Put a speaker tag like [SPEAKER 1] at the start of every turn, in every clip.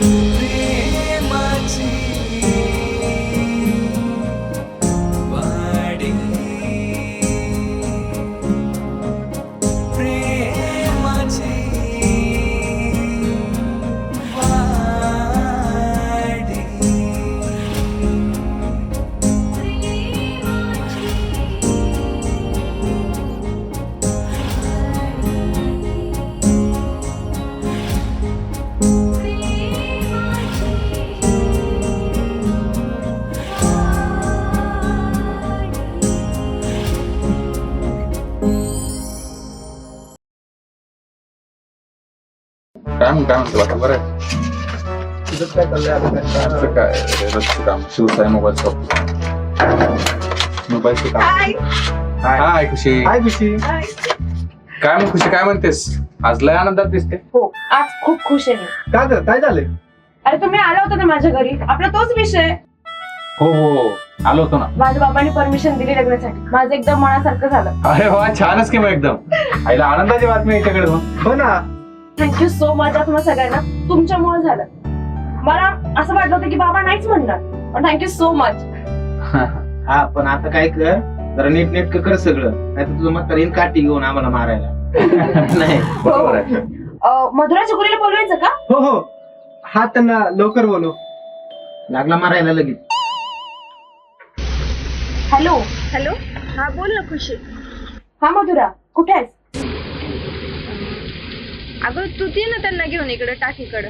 [SPEAKER 1] काय म्हणतो आता बरं आहे?
[SPEAKER 2] काय चाललंय
[SPEAKER 1] काय रस्ते काम शिवसाई मोबाईल शॉप मोबाईलचे काम. हाय खुशी.
[SPEAKER 2] काय खुशी?
[SPEAKER 1] काय मग खुशी काय म्हणतेस? आज लय आनंदात दिसते.
[SPEAKER 3] हो आज खूप खुश आहे मी.
[SPEAKER 2] काय झालंय?
[SPEAKER 3] अरे तुम्ही आला होता ना माझ्या घरी, आपला तोच विषय.
[SPEAKER 1] हो हो आलो होतो ना.
[SPEAKER 3] माझ्या बाबांनी परमिशन दिली लग्नासाठी, माझं एकदम मनासारखं झालं.
[SPEAKER 1] अरे वा छानच की मग एकदम आईला आनंदाची बातमी याच्याकडे मग.
[SPEAKER 2] हो ना.
[SPEAKER 3] थँक्यू सो मच तुम्हाला सगळ्यांना, तुमच्यामुळे झालं. मला असं वाटलं होतं की बाबा नाहीच म्हणणार, पण थँक्यू सो मच.
[SPEAKER 2] हा पण आता काय कर, जरा नीट कर सगळं, नाही तर तुझं म्हातारीन काठी घेऊन आम्हाला मारायला. नाही
[SPEAKER 1] बरोबर आहे.
[SPEAKER 3] मधुराच्या गुरीला बोलवायचं का?
[SPEAKER 2] हो हो हा त्यांना लवकर बोलव. लागला मारायला लगेच.
[SPEAKER 3] हॅलो
[SPEAKER 4] हॅलो, हा बोल ना खुशी.
[SPEAKER 3] हा मधुरा, कुठे आहेस?
[SPEAKER 4] अगं तू दे ना त्यांना घेऊन इकडं टाकीकडं.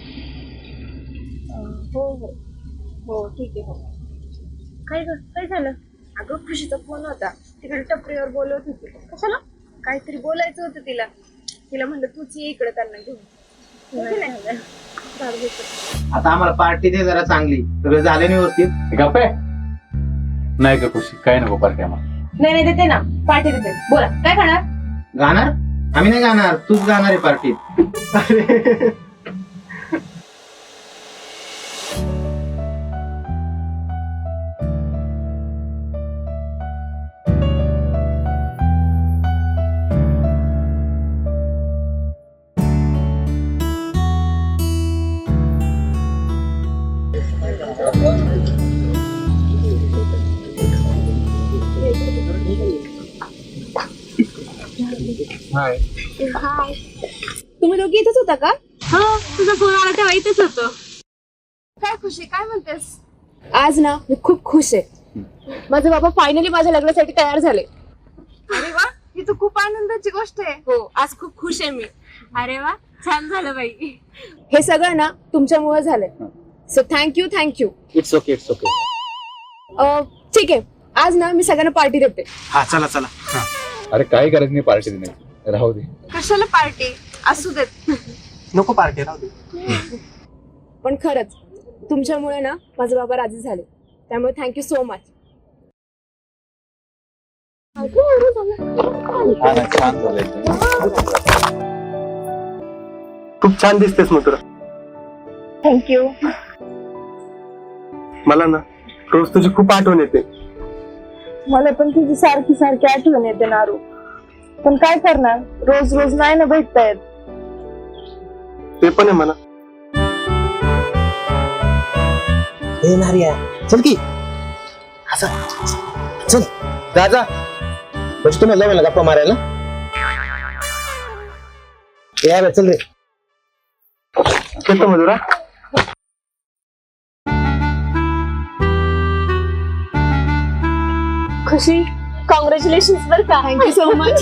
[SPEAKER 4] हो हो हो ठीक आहे. हो काय झालं? अगं खुशीचा फोन होता, तिकडे टपरीवर बोलवत होती. कशाला? काहीतरी बोलायचं होतं तिला म्हणलं तूच ये इकडे त्यांना घेऊन.
[SPEAKER 2] आता आम्हाला पार्टी दे जरा चांगली, सगळं झालं व्यवस्थित.
[SPEAKER 1] गप्प आहे? नाही का खुशी, काय नको पार्टी आम्हाला.
[SPEAKER 3] नाही देते ना, पार्टी देते. बोला काय खाणार?
[SPEAKER 2] गाणार? आम्ही नाही गाणार, तूच गाणार आहे पार्टीत.
[SPEAKER 1] हाय.
[SPEAKER 4] हाय, तुम्ही दोघी इथेच होता का? हा, तुझा फोन आला तेव्हा इथेच होतो. काय खुशी, काय म्हणतेस?
[SPEAKER 3] आज ना मी खूप खुश आहे. माझे बाबा फायनली माझ्या लग्नासाठी तयार झाले.
[SPEAKER 4] अरे वा, ही तर खूप आनंदाची गोष्ट आहे.
[SPEAKER 3] हो आज खूप खुश आहे मी.
[SPEAKER 4] अरे वा, छान झालं बाई.
[SPEAKER 3] हे सगळं ना तुमच्यामुळे झालंय. So thank you.
[SPEAKER 2] It's okay.
[SPEAKER 3] ठीक आहे, आज ना मी सगळ्यांना पार्टी देते.
[SPEAKER 2] हा चला.
[SPEAKER 1] अरे काही गरज नाही पार्टी देण्याची, राहू दे.
[SPEAKER 4] कशाला पार्टी? असू देत.
[SPEAKER 2] नको पार्टी, राहू दे.
[SPEAKER 3] पण खरंच तुमच्यामुळे ना माझे बाबा राजी झाले, त्यामुळे थँक्यू सो मच.
[SPEAKER 1] छान झालंय.
[SPEAKER 2] खूप छान दिसतेस मथुरा.
[SPEAKER 4] थँक्यू.
[SPEAKER 2] मला ना रोज तुझी खूप आठवण येते.
[SPEAKER 4] मला पण तुझी सारखी आठवण येते नारू, पण काय करणार, रोज नाही ना भेटता येत.
[SPEAKER 2] ते पण आहे मला. चल की चल जा म्हणजे तुम्ही लग्न गप्पा मारायला यार. चल रे. येतो मधुरा.
[SPEAKER 4] खुशी, कॉंग्रॅच्युलेशन बर का.
[SPEAKER 3] Thank you so much.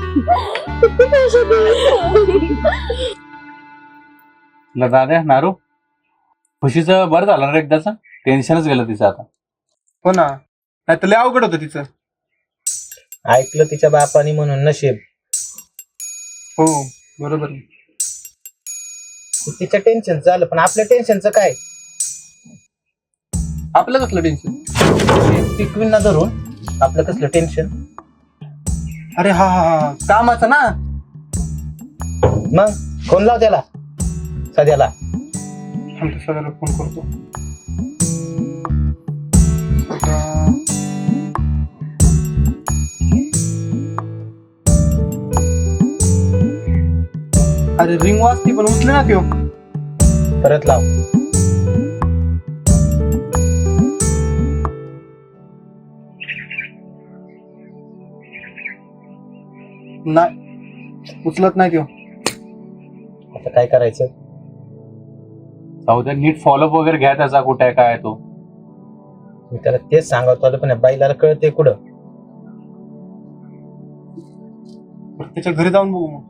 [SPEAKER 1] दादा नारू, खुशीचं बरं झालं ना एकदाच, टेन्शनच गेलं तिचं आता.
[SPEAKER 2] हो ना, नाही तर लय अवघड होतं तिचं. ऐकलं तिच्या बापानी म्हणून नशीब.
[SPEAKER 5] हो बरोबर.
[SPEAKER 2] तिचं टेन्शन झालं, पण आपल्या टेन्शनचं काय?
[SPEAKER 5] आपलं कसलं टेन्शन?
[SPEAKER 2] पिकवींना धरून आपलं कसलं टेन्शन?
[SPEAKER 5] अरे हा कामाचं ना.
[SPEAKER 2] मग फोन लाव त्याला सध्याला.
[SPEAKER 5] आमच्या सगळ्याला फोन करतो. अरे रिंग वाजती पण उचले ना त्यो.
[SPEAKER 2] परत लाव.
[SPEAKER 5] नाही उचलत नाही तो.
[SPEAKER 2] आता काय करायचं?
[SPEAKER 1] जाऊ दे, नीट फॉलोअप वगैरे घ्या त्याचा, कुठे आहे काय आहे तो.
[SPEAKER 2] मी त्याला तेच सांगत होतो, पण या बाईला कळते कुठं.
[SPEAKER 5] त्याच्या घरी जाऊन बघू मग.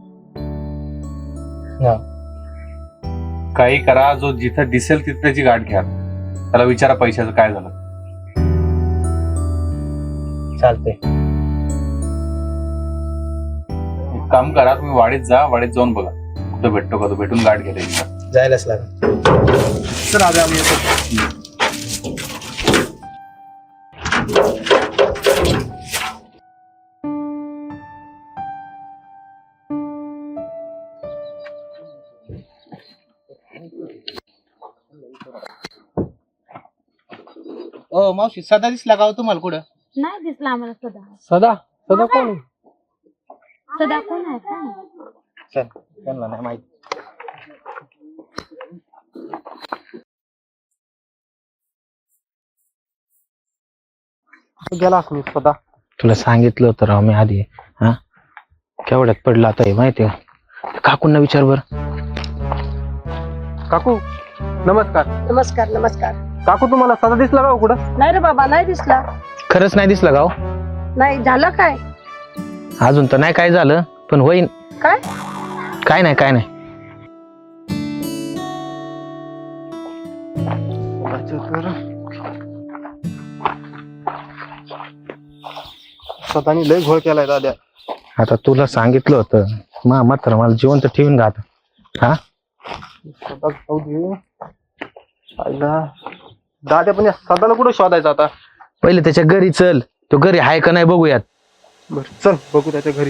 [SPEAKER 1] काही करा, जो जिथं दिसेल तिथे त्याची गाठ घ्या, त्याला विचारा पैशाचं काय झालं.
[SPEAKER 2] चालतंय.
[SPEAKER 1] एक काम करा, तुम्ही वाडीत जा, वाडीत जाऊन बघा कुठं भेटतो का तो, भेटून गाठ घ्या त्याची.
[SPEAKER 2] जायलाच लागेल.
[SPEAKER 5] तर आधी आम्ही येतो.
[SPEAKER 2] ओ मावशी, सदा दिसला का हो तुम्हाला कुठं?
[SPEAKER 4] नाही दिसला आम्हाला सदा.
[SPEAKER 5] सदा सदा कोण आहे?
[SPEAKER 4] सदा कोण आहे का?
[SPEAKER 2] चल, त्यांना नाही माहिती.
[SPEAKER 5] गेला असं सदा.
[SPEAKER 2] तुला सांगितलं होतं राव मी आधी. हा, केवढ्यात पडला आता हे माहिती आहे? काकूंना विचार बर.
[SPEAKER 5] काकू नमस्कार.
[SPEAKER 6] नमस्कार नमस्कार.
[SPEAKER 5] काकू तुम्हाला सदा दिसला का हो कुठं?
[SPEAKER 6] नाही रे बाबा, नाही दिसला.
[SPEAKER 2] खरंच नाही दिसलं गाव?
[SPEAKER 6] नाही झालं काय?
[SPEAKER 2] अजून तर नाही काय झालं, पण होईन.
[SPEAKER 6] काय?
[SPEAKER 2] काय नाही काय नाही.
[SPEAKER 5] सदानी लय घोळ केलाय दाद्या.
[SPEAKER 2] आता तुला सांगितलं होतं म्हातारा मला जिवंत ठेवून घात. हा,
[SPEAKER 5] सदा जाऊ दे. आईला दाद्या, पण या सदाला कुठं शोधायचं आता?
[SPEAKER 2] पहिले त्याच्या घरी चल, तो घरी आहे का नाही बघूयात.
[SPEAKER 5] बर चल बघू त्याच्या घरी.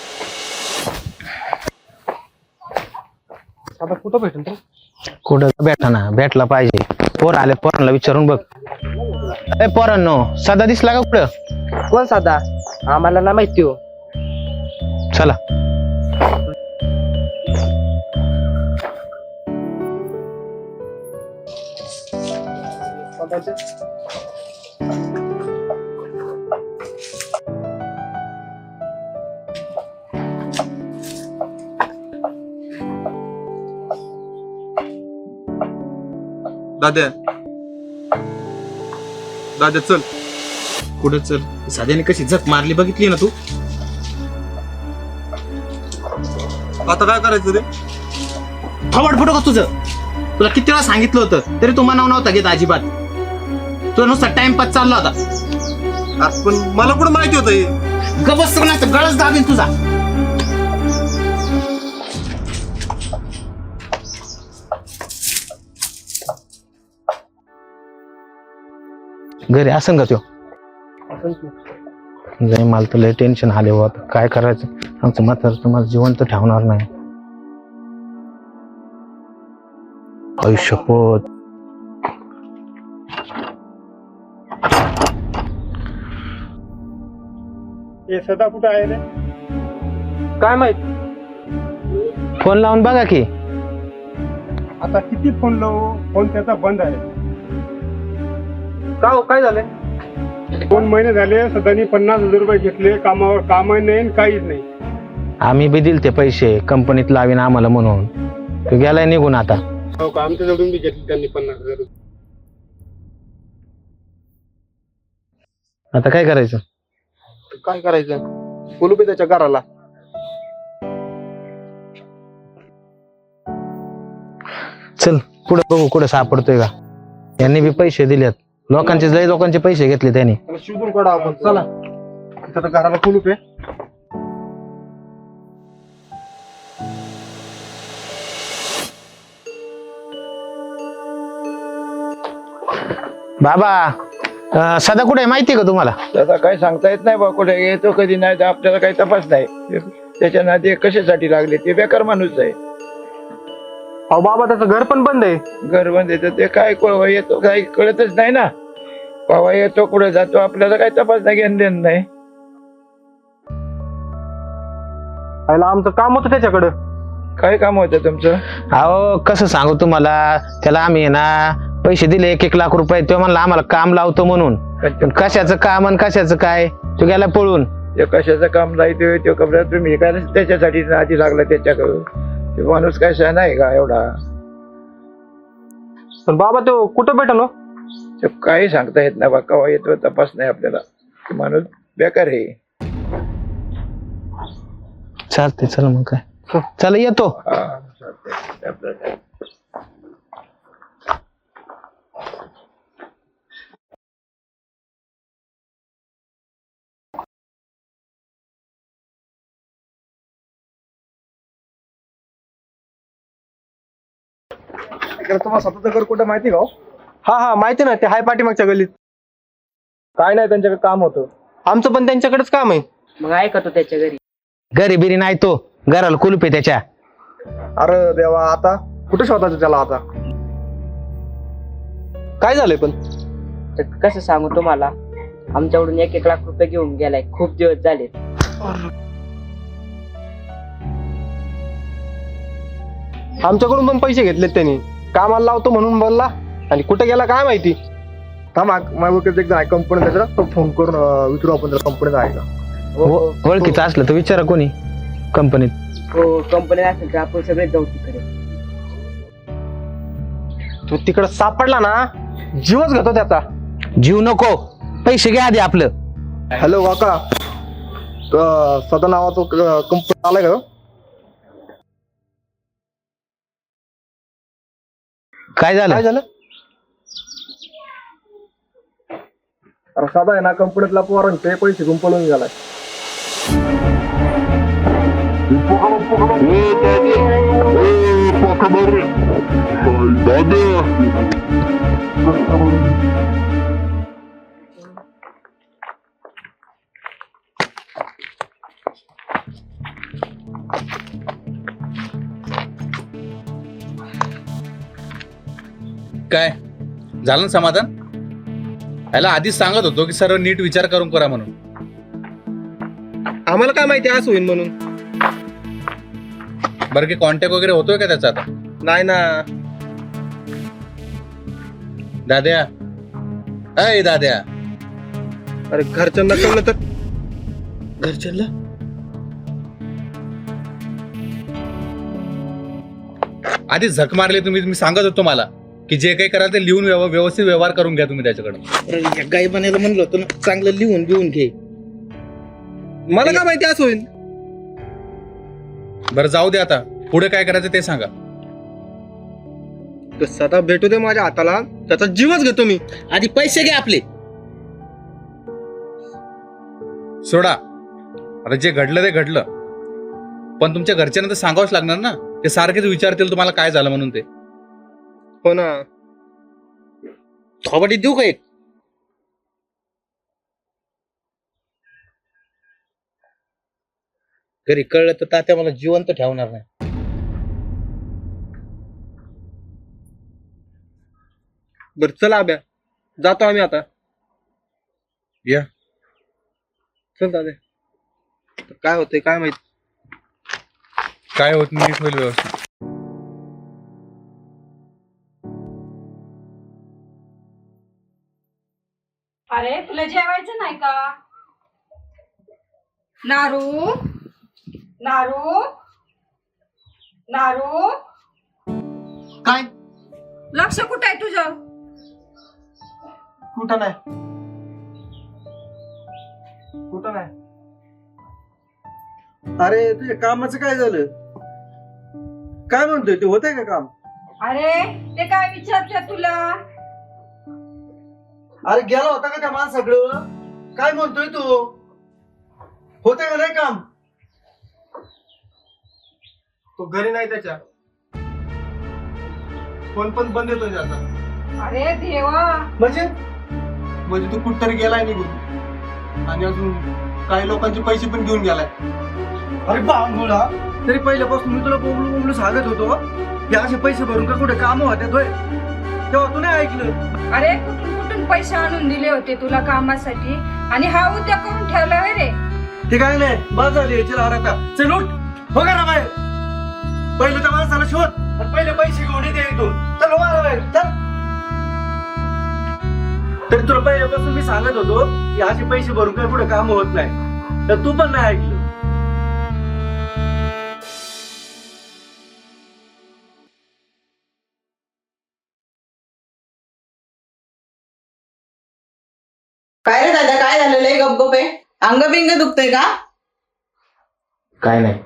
[SPEAKER 5] सदा कुठं भेटेल तर?
[SPEAKER 2] कुठं भेटा ना, भेटला पाहिजे. पोर आले, पोरांना विचारून बघ. ए पोरांनो, सदा दिसला का कुठं?
[SPEAKER 6] कोण साधा? आम्हाला ना माहिती हो.
[SPEAKER 2] चला.
[SPEAKER 5] दाद्या दाद्या चल.
[SPEAKER 2] कुठं चल? साध्याने कशी जग मारली बघितली ना तू?
[SPEAKER 5] आता काय करायचं रे?
[SPEAKER 2] थोबड फुटो का तुझं? तुला किती वेळा सांगितलं होतं तरी तू मनाव नव्हता घेत अजिबात. तुला नुसता टाइमपास चालला होता.
[SPEAKER 5] पण मला कुठं माहिती होतं हे?
[SPEAKER 2] गबस नाही गळच दाबीन तुझा. घरी असं का त्यो? नाही, मला तर लय टेन्शन आले हो. आता काय करायचं? आमचं म्हातारं तुम्हाला जिवंत ठेवणार नाही. आयुष्यपत.
[SPEAKER 5] हे सदा कुठं आहे रे? काय माहित.
[SPEAKER 2] फोन लावून बघा की.
[SPEAKER 5] आता किती फोन लावू? फोन त्याचा बंद आहे. का हो, काय झालंय? 2 महिने झाले सदानी 50,000 रुपये घेतले, कामावर कामही नाही काहीच नाही.
[SPEAKER 2] आम्ही बी दिल ते पैसे कंपनीत लावीन आम्हाला म्हणून. तो गेलाय निघून आता.
[SPEAKER 5] हो का? आमच्याजवळून बी घेतले त्यांनी 50,000 रुपये.
[SPEAKER 2] आता काय करायचं?
[SPEAKER 5] काय करायचं? बोलू बी त्याच्या घराला.
[SPEAKER 2] चल पुढे बघू कुठे सापडतोय का. यांनी बी पैसे दिलेत. लोकांचे पैसे घेतले त्यांनी.
[SPEAKER 5] त्याला शोधून काढा आपण. चला तिथं तर घराला कुलूप आहे.
[SPEAKER 2] बाबा, सदा कुठे माहितीये का तुम्हाला?
[SPEAKER 7] त्याचा काही सांगता येत नाही बा, कुठे येतो कधी नाही, तर आपल्याला काही तपास नाही. त्याच्या नाते कशासाठी लागले ते बेकार माणूस आहे.
[SPEAKER 5] अहो बाबा, त्याचं घर पण बंद आहे.
[SPEAKER 7] घर बंद येतं ते काय येतो काही कळतच नाही ना. बाबा येतो कुठे जातो आपल्याला काही तपास नाही, घेणं देणं नाही.
[SPEAKER 5] आमचं काम होतं त्याच्याकडं.
[SPEAKER 7] काय काम होतं तुमचं?
[SPEAKER 8] अहो कसं सांगू तुम्हाला, त्याला आम्ही आहे ना पैसे दिले 1-1 लाख रुपये. तो म्हणला आम्हाला काम लावतो म्हणून. पण कशाचं काम आणि कशाचं काय, तो गेला पळून.
[SPEAKER 7] ते कशाचं काम लायतोय तो कपडा तुम्ही काय त्याच्यासाठी आधी लागला त्याच्याकडं. ते माणूस कशा नाही का एवढा.
[SPEAKER 9] पण बाबा तो कुठं भेटलो?
[SPEAKER 7] ते काही सांगता येत नाही बा, केव्हा येतो तपास नाही आपल्याला. ते माणूस बेकार आहे.
[SPEAKER 8] चालते चला मग काय, चला येतो.
[SPEAKER 7] हा, चालतंय. आपलं काय.
[SPEAKER 9] तुम्हाला स्वतःचं घर कुठं माहिती का? हा माहिती ना, ते हाय पाठीमागच्या गल्लीत. काय नाही, त्यांच्याकडे काम होतं. आमचं पण त्यांच्याकडेच काम आहे.
[SPEAKER 6] मग ऐकतो त्याच्या घरी.
[SPEAKER 8] घरी बिरी नाही, तो घराला कुलूप आहे त्याच्या.
[SPEAKER 9] अरे देवा, आता कुठे शोधायचं त्याला आता? काय झालंय पण?
[SPEAKER 6] तर कसं सांगू तुम्हाला, आमच्याकडून 1-1 लाख रुपये घेऊन गेलाय. खूप दिवस झाले.
[SPEAKER 9] आमच्याकडून पण पैसे घेतलेत त्यांनी. कामाला लावतो म्हणून बोलला, आणि कुठे गेला काय माहिती. थांबा, माझ्या एकदा कंपनी त्याचा तो फोन करून विचारू आपण त्याला कंपनीत आहे का.
[SPEAKER 8] ओळखीचं असलं तर विचारा कोणी कंपनीत.
[SPEAKER 6] हो, कंपनी असेल तर आपण सगळे जाऊ तिकडे.
[SPEAKER 9] तो तिकडे सापडला ना, जीवच घेतो त्याचा.
[SPEAKER 8] जीव नको, पैसे घ्या आधी आपलं.
[SPEAKER 9] हॅलो काका, सदा नावाचं कंपनी आलाय का?
[SPEAKER 8] काय झालं?
[SPEAKER 9] काय झालं? अरे साधा आहे ना, कंपनीतला पोरांचे पैसे घेऊन पळून गेलाय.
[SPEAKER 1] काय झालं ना समाधान? याला आधीच सांगत होतो की सर्व नीट विचार करून करा म्हणून.
[SPEAKER 9] आम्हाला काय माहिती असं होईल म्हणून.
[SPEAKER 1] बरं की कॉन्टॅक्ट वगैरे होतोय का त्याचा आता?
[SPEAKER 9] नाही ना.
[SPEAKER 1] दाद्या, अय दाद्या,
[SPEAKER 9] अरे घरच्यांना कळलं तर?
[SPEAKER 1] घरच्यांना आधी झक मारली तुम्ही. मी सांगत होतो मला की जे काही कराल ते लिहून व्यवस्थित व्यवहार करून घ्या तुम्ही त्याच्याकडे.
[SPEAKER 2] गाई बनायला म्हणलं होतं ना, चांगलं लिहून घे.
[SPEAKER 9] मला काय माहिती असं होईल.
[SPEAKER 1] बरं जाऊ दे, आता पुढे काय करायचं ते सांगा.
[SPEAKER 9] तो सदा भेटू दे माझ्या हाताला, त्याचा जीवच घेतो मी.
[SPEAKER 2] आधी पैसे घे आपले.
[SPEAKER 1] सोडा, आता जे घडलं ते घडलं, पण तुमच्या घरच्यांना तर सांगावंच लागणार ना. ते सारखेच विचारतील तुम्हाला काय झालं म्हणून. ते
[SPEAKER 9] हो ना.
[SPEAKER 2] थोबाडी देऊ का एक? घरी कळलं तर तात्या मला जिवंत ठेवणार नाही.
[SPEAKER 9] बर चला अभ्या, जातो आम्ही आता.
[SPEAKER 1] या.
[SPEAKER 9] चल दादा, काय होतंय काय माहित.
[SPEAKER 1] काय होत नीट होईल व्यवस्थित.
[SPEAKER 3] अरे तुला जेवायचं नाही का? नारू, नारू, नारू,
[SPEAKER 9] काय?
[SPEAKER 3] लक्ष कुठं आहे तुझं?
[SPEAKER 9] कुठं नाही, कुठं नाही. अरे तुझ्या कामाचं काय झालं? काय म्हणतोय ते, होतंय का काम?
[SPEAKER 3] अरे ते काय विचारते तुला?
[SPEAKER 9] अरे गेला होता का त्या माणसाकडं? काय म्हणतोय तू, होतंय का नाही काम? तो घरी नाही, त्याच्या फोन पण बंद येतो त्याचा.
[SPEAKER 3] अरे देवा,
[SPEAKER 9] म्हणजे तू कुठतरी गेलाय निघून, आणि अजून काही लोकांचे पैसे पण घेऊन गेलाय. अरे बांगुळा, तरी पहिल्यापासून मी तुला बोबलू सांगत होतो हे असे पैसे भरून का कुठे काम होत्या, तेव्हा तू नाही ऐकलं.
[SPEAKER 3] अरे कुठून कुठून पैसे आणून दिले होते तुला कामासाठी, आणि हा उद्या करून ठेवला रे.
[SPEAKER 9] ते काय नाही, बस झाली याची लाड आता. चल उठ, बघा ना बाहेर. पहिले त्या माणसाला शोध आणि पहिले पैसे घेऊन येते इथून. चल मारा बाहेर, चल. तरी तुला पहिल्यापासून मी सांगत होतो की असे पैसे भरून काही पुढे काम होत नाही, तर तू पण नाही ऐकलं.
[SPEAKER 10] काय रे दादा, काय झालेलं आहे? गपगप आहे, अंग बिंग दुखतंय का?
[SPEAKER 8] काय नाही.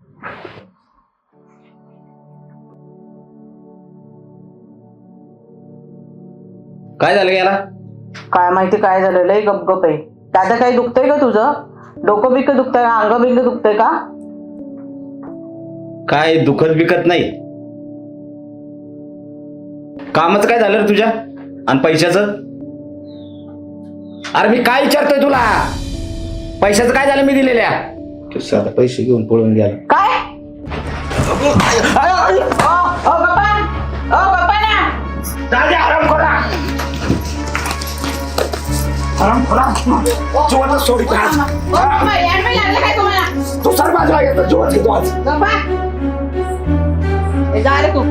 [SPEAKER 8] काय झालं याला?
[SPEAKER 10] काय माहिती काय झालेलं आहे, गपगप आहे. दादा काही दुखतंय का तुझं? डोकं बिक दुखतंय का? अंग बिंग दुखतंय का?
[SPEAKER 8] काय दुखत बिकत नाही. कामच काय झालं रे तुझ्या आणि पैशाचं? अरे मी काय विचारतोय तुला? पैशाचं काय झालं मी दिलेल्या? तू साधा पैसे घेऊन पळून गेला.
[SPEAKER 10] काय? ओ बाप्पा ना.
[SPEAKER 7] सोडी
[SPEAKER 10] ओ बाप्पा, याडवे लागलं काय तुम्हाला?
[SPEAKER 7] तू सर बाजूला येतो जोरात घेतो आज.
[SPEAKER 10] बाप्पा, ए, जा रे तू.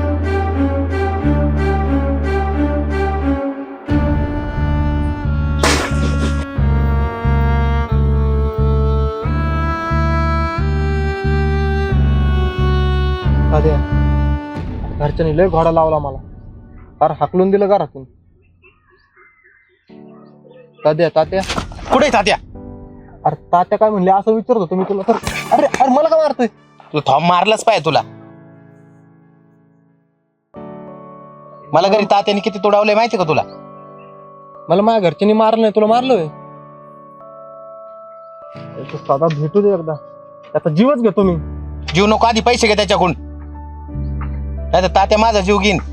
[SPEAKER 9] तात्या, घरच्यांनी लय घोडा लावला मला, फार हाकलून दिलं घरातून. तात्या
[SPEAKER 8] कुठे तात्या?
[SPEAKER 9] अरे तात्या काय म्हणले असं विचारत होतो मी तुला. तर अरे अरे मला का मारतोय?
[SPEAKER 8] तू थॉम मारलाच पाहिजे तुला. मला घरी तात्याने किती तोडावले माहिती का तुला?
[SPEAKER 9] मला माझ्या घरच्यांनी मारलं नाही, तुला मारलोय. साधा भेटू दे एकदा, त्याचा जीवच घेतो मी.
[SPEAKER 8] जीव नको, आधी पैसे घे त्याच्याकडून, नाही तर तात्या माझा जीव घेईन.